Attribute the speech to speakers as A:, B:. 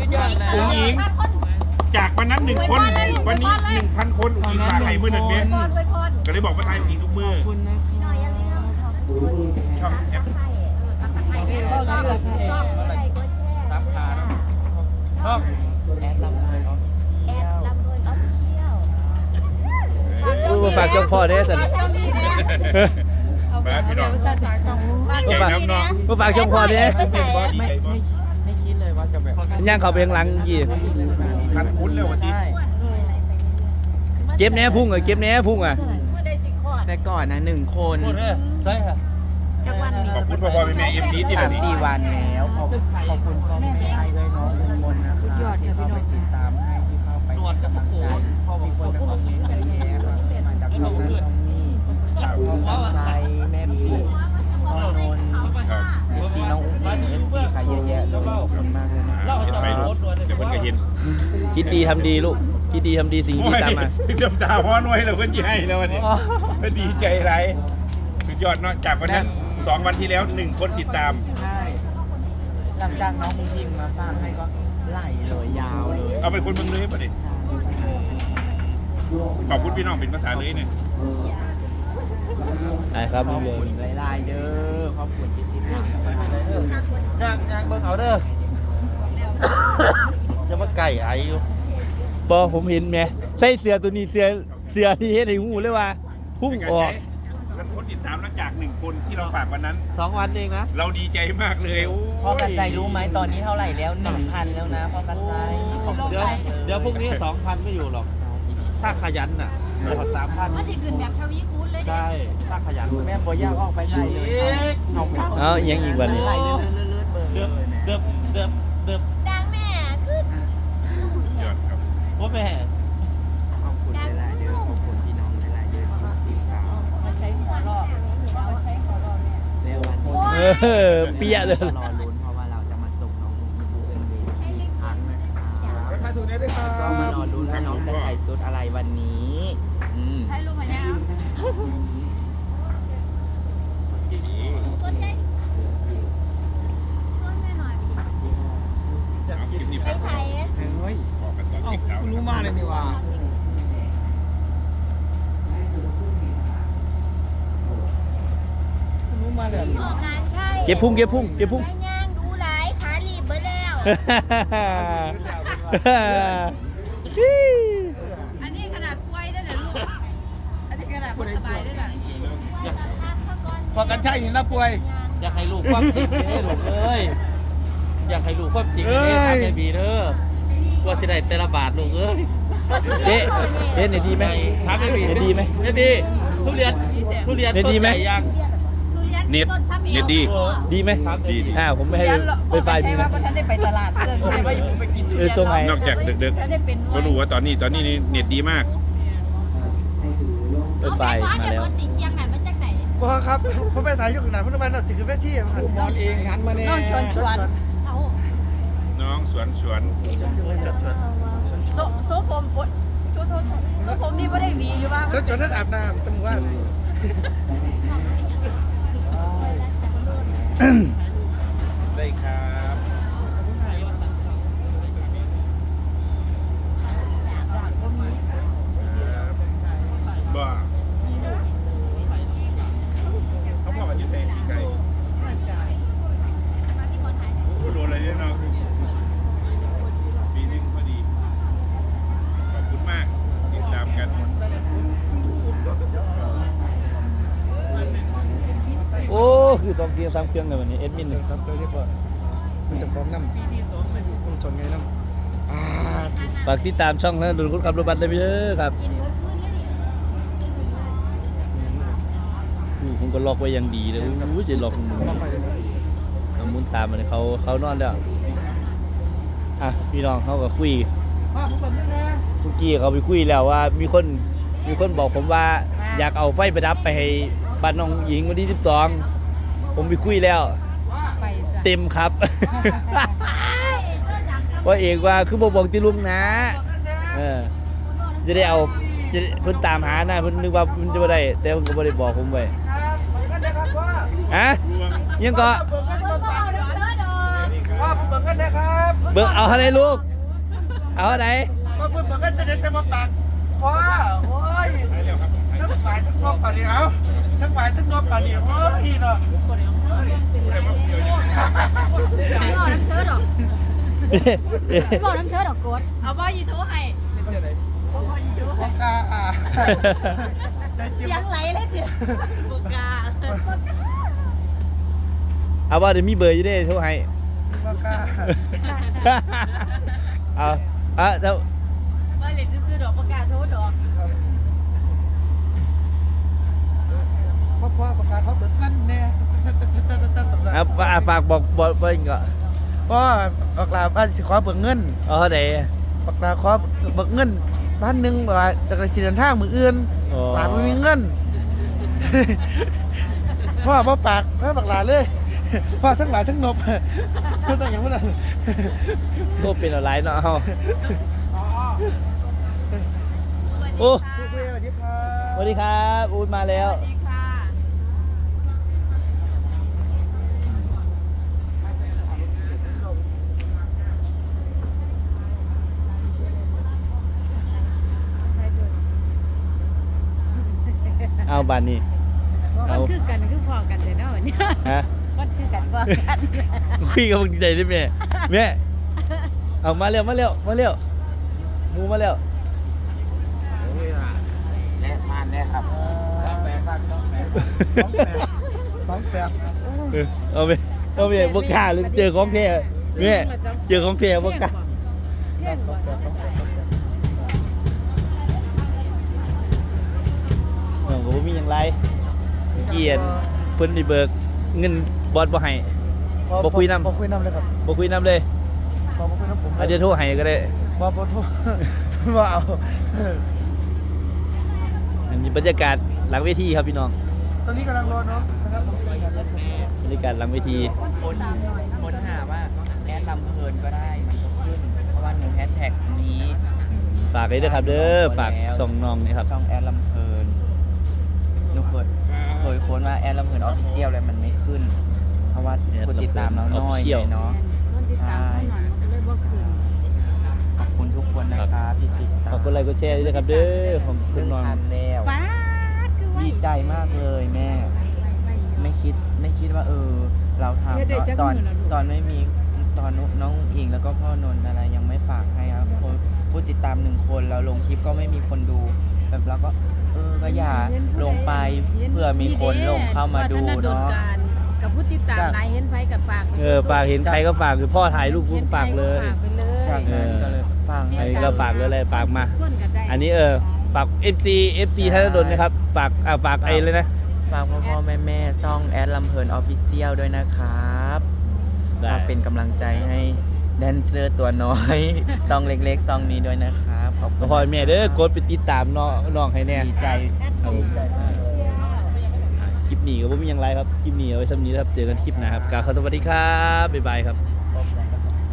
A: อุ๋งอิงจากวันนั้น1 คนวันนี้ 1,000 คนอุ๋งอิงฝากให้เมื่อนั้นเนี้ยก็เลยบอกว่าไทยอุ๋งอิงทุกมือช่องแอปช่อง
B: แอดลำเพลินออฟฟิเชียล
C: มาฝากเจ้าพ่อเด้สัน
A: มาพี่น้องดีใจน้ำเนาะ
C: มาฝากเจ้าพ่อเด้
B: ไม่คิดเลยว่าจะแบบ
C: ย่างเขาไปข้างหลังยี่
A: พันคุ้นเลยวันนี้
B: ใช่
C: เก็บแหน่พุ่งอ่ะเก็บแหน่พุ่งอ่ะ
B: แต่ก่อนนะ1 คน
C: ใช่ค่ะ
A: ขอบคุณพ่อแม่เอฟซีที่แบบนี้
B: 3-4 วันแล้วขอบคุณพ่อแม่ไอ้ด้วยน้องทุกคนนะครับที่เข้าไปติดตามให้ที่เข้าไปกำลังใจมีคนไปคอมเมนต์เยอะแยะมาจากช่องนั้นช่องนี้พ่อใจแม่พี่พ่อนนท์เอฟซีน้องอุ้งอิงเอฟซีใครเยอะแยะเลยขอบคุณมากเลยนะ
A: เห็นไปลูกเดี๋ยวเพิ่นก็เห็น
C: คิดดีทำดีลูกคิดดีทำดีสิ่งดีตามมา
A: เดือดตาพ่อหน่วยเราเพิ่นยี่ให้แล้ววันนี้เพิ่นดีใจไรสุดยอดเนาะจากวันนั้น2 วันที่แล้ว1 คนติดตาม
B: ใช่หลังจากน้องอุ้งอิงมาฟังให้ก็ไหลเลยยาวเลย
A: เอาเป็นคนเมืองเลยป่ะดิขอบคุณพี่น้องเป็นภาษาเลยเนี่ย
C: ได้ครับ
B: ข
C: ลุ
B: อบ
C: งเล
B: คุ
C: ย
B: ณหลายๆเด้อขอบคุณที่ติดตาม
C: ย่างเบิ่งเอาเด้อจะมาไก่ไออยู่บอผมเห็นไหมใส่เสื้อตัวนี้เสื้อที่เฮ็ดให้หูเลยว่าพุ่งออก
A: มันคนติดตามแล้วจาก1 คนที่เราฝากวันนั้น
C: 2 วันเองนะ
A: เราดีใจมากเลยโอ้
B: พ่อกันใจรู้ไหมตอนนี้เท่าไหร่แล้ว 1,000 แล้วนะพ่อกันใจขอบคุณ
C: เดี๋ยวพรุ่งนี้ 2,000 ไม่อยู่หรอก ถ้าขยันน่ะเดี๋ยว3,000
D: มันจะขึ้นแบบทวีคูณเลย
C: ใช่ ถ้าขยัน
B: แม่ปอยากออกไปใส่เลยเอาไป
C: เอาอีกอย่างอีกวันนี้
B: ไหลเลื่อนเบอร์เลย
C: เดิบ
D: ดังแม่ขึ้น
A: ยอดครับ
C: ว่าแม่
B: ขอบคุณหลายๆเด้อขอบคุณพี่น้องหลายๆเด้อที่ติดตามแล้ววันนี้
C: เปียเลย
B: รอลุ้นเพราะว่าเราจะมาส่งน้องอุ้งอิงบนเวทีอีกครั้งนะครับ
A: ถ่ายถูกได้ด้วยครับ
B: ก็มารอลุ้นว่าน้องจะใส่ชุดอะไรวันนี้
D: ให้ลูกมาเนี่ยสนใจสนใจหน่อย
A: เอาคลิปนี้
D: ไป
A: ฝาก
D: ใส่
B: เฮ้ย
A: บอกกันตอนเด็กสาว
B: คุณรู้มากเลยนี่ว่า คุณรู้มาเลย
D: ออกงานใช่
C: เก็บพุ่ง
D: แม่ย่างดูหลายขาหลีบเบอร์แล้ว อันนี้ขนาดป่วยได้เหรอลูก อันนี้ขนาดไม่สบายได้เหรอ
B: พอกันใช่นี่นะป่วย
C: อยากให้ลูกความจริงเด้อลูกเอ้ยอยากให้ลูกความจริงเด้อทำให้บีเด้อกลัวสิได้แต่ละบาทลูกเอ้ยเอ๊ะเนี่ยดีไหมทำให้บีดีไหมเนี่ยดีทุเรียนเนี่ยดีไหมยัง
A: เน็ตดี
C: ดีไหมผมไม่ให้ไปไฟมีนะ
D: ท่านได้ไปตลาดเกินไปว่าอยู่ไปกิน
C: ทรงไง
A: นอกจากดึกๆก็รู้ว่าตอนนี้นี่เน็ตดีมาก
C: ไปไฟมาแล้ว
D: ตีเคียงไหนมาจากไหน
E: พ่อครับพ่อไปถ่ายอยู่ข้างหน้าพ่อทำไมน่ะสิขึ้นเวทีหันมอนเองหันมาเนี่ย
D: นอนชวนเอา
A: น้องสวน
D: โซผมปดโซผมนี่ไม่ได้หวีหรือว่า
E: ชวนท่านอาบน้ำตำว่า
A: ได้ครับบ้าเขาบอกว่าอยู่แทนพี่ไก่โอ้โดนอะไรเนี่ยเนาะปีนึงพอดี ขอบคุณมากติดตามกัน
C: โอ้คือ2 เครื่อง 3 เครื่องเลยวันนี้เอ็ดมิน
E: ซับเลยดีกว่ามันจะฟ้องน้ำมันชนไงน้ำ
C: ฝากติดตามช่องนะดูคนขับรถบัสได้ไปเด้อครับ
D: กินเมื่อคืนเลยนี่
C: ผมก็ล็อกไว้อย่างดีเลยจะล็อกมุนตามมันเขานอนแล้วพี่น้องเขาก็คุยเมื่อกี้เขาไปคุยแล้วว่ามีคนบอกผมว่าอยากเอาไฟประดับไปให้บ้านน้องหญิงวันที่12ผมไปคุยแล้วเต็มครับ ว่าเอกว่าคือบอกติลุงนะจะได้เอาเพิ่นตามหานะเพิ่นนึกว่าเพิ่นจะบ่ได้แต่เพิ่นก็บ่ได้บอกผมไว้ยังก็
E: พ่อเบิกกันนะครับ
C: เบิกเอาอะไรลูกเอาอะไร
E: ก็เพิ่งเหมือนกันจะเด็ดจะมาปากพ่อโอ้ย
A: ไปเร็วครับ
E: ทั้งฝ่ายทั้งนอกป่านนี้เอาทั้งฝ่ายทั้งนอกป่านนี้โอ้ยเนาะ
A: พูดเลยว่าเดียวยังไง
D: บอกน้ำเธอดอก
C: เอ๊ะ
D: บอกน้ำเธอดอกโกดเอาบ่ยีโทรให้เอาบ่ยีโทร
E: พ่
D: ให้
E: อกล้าได้จิ้
D: เสียงไหลเลยเจียวบกา
C: เอาว่าเดี๋ยวมีเบอร์อยู่เด้โทรให้
E: พ่อกล้า
C: เอาเดี๋ยว
D: ว่าเหรียญซื้อดอกบกาโทรดอก
E: พ่อประกาศเขาเบิกเงินแน่
C: ฝากบอกเบิ้งก่อน
E: พ่อประกาศบ้านสิขอเบิกเงิน
C: เอาเท่าไหร่
E: ประกาศขอเบิกเงินบ้านหนึ่งว่าจะกระสีเดินทางมืออื่น
C: อ๋อ
E: หลานไม่มีเงิน พ่อปากพ่อปากหลานเลยพ่อทั้งหลายทั้งนบพ่อต้องอย่างนั้น
C: โอ้เป็นอะไรเนาะเอาโอ้
E: สวัสดีครั
C: ส
E: บ
C: วัสดีครับอูดมาแล้ว
D: สวัสดีค่ะ
C: เอาบานนี้
D: มั
C: เอา
D: นคือกันคือพอกันเลยเนาะวันนี้
C: ฮะ
D: มันคือกันพอกัน
C: คุยกับมึงใจได้แม่แม่เอามาเร็วหมูมาเร็ว
B: แน่ทานแน่ครับ
E: 28
C: เอาไปพวกข้าหรือเจอของแท้แม่เจอของแท้พวกข้าน้องก็บ่มีหยังไรเกียนเพิ่นได้เบิกเงินบอสบ่ให้ บ่คุยนำ
E: บ่คุยนำเลยครับ
C: บ่คุยนํเลย
E: บ่คุยนำผม
C: อาจจะโทรให้ก็ได้
E: บ่โทษ บ่เอา
C: อันนี้บรรยากาศหลังเวทีครับพี่น้อง
E: ตอนนี้กำลังรอเนาะนะครับผม
C: บรรยากาศหลังเวที
B: ค้นหาว่าแอดลำเพลินก็ได้มันก็ขึ้น เพราะว่าหนูแฮชแท็กนี้
C: ฝากเลยด้วยครับเด้อฝากช่องน้องนี่ครับ
B: ช่องแอดลำเพลินหนูเคยค้นว่าแอดลำเพลินออฟฟิเชียลแล้วมันไม่ขึ้น เพราะว่าคนติดตามเราน้อยเลยเนาะ
D: คนติดตามเขาหน่อยมันก็เลยบ่คืน
B: ขอบคุณทุกคนนะครับที่ติดตาม
C: ขอบคุณไลค์กดแชร์ด้วยครับเด้อของคุ
B: เพิ่
C: ณ
B: ง
C: น้อง
B: ทันแล้ว
D: ป้าดคือว่า
B: ดีใจมากเลยแม่ ไม่คิดว่าเราทำตอนไม่มีตอนน้องอิงแล้วก็พ่อนนท์อะไรยังไม่ฝากให้ครับผู้ติดตาม1 คนเราลงคลิปก็ไม่มีคนดูแบบเราก็ก็อย่าลงไปเพื่อมีคนลงเข้ามาดูเนาะ
D: กับผู้ติดตามนายเห็นไฟกับฝาก
C: ฝากเห็นใครก็ฝากคือพ่อถ่ายรูปกูฝากเลย
D: ฝากไปเลย
B: จากนั้นก็เลยฟัง
C: ไอ้
B: ให้
C: ก็ฝากเลยฝากมา
D: คนก็ได้
C: อันนี้ฝาก FC ธนดลนะครับฝากไอ้เลยนะ
B: ฝากพ่อแม่ซ่องแอดลำเพลินออฟฟิเชียลด้วยนะครับฝากเป็นกำลังใจให้แดนเซอร์ตัวน้อย ซองเล็กๆซองนี้ด้วยนะครับขอบคุณ
C: พ่อแม่เด้อกดไปติดตามน้องให้แน่
B: ดีใจ
C: ครับผมคลิปนี้ก็บ่มีหยังไรครับคลิปนี้เอาไว้ซ้ำนี้ครับเจอกันคลิปหน้าครับกล่าวคำสวัสดีครับบ๊ายบายครับ
B: ขอบคุณ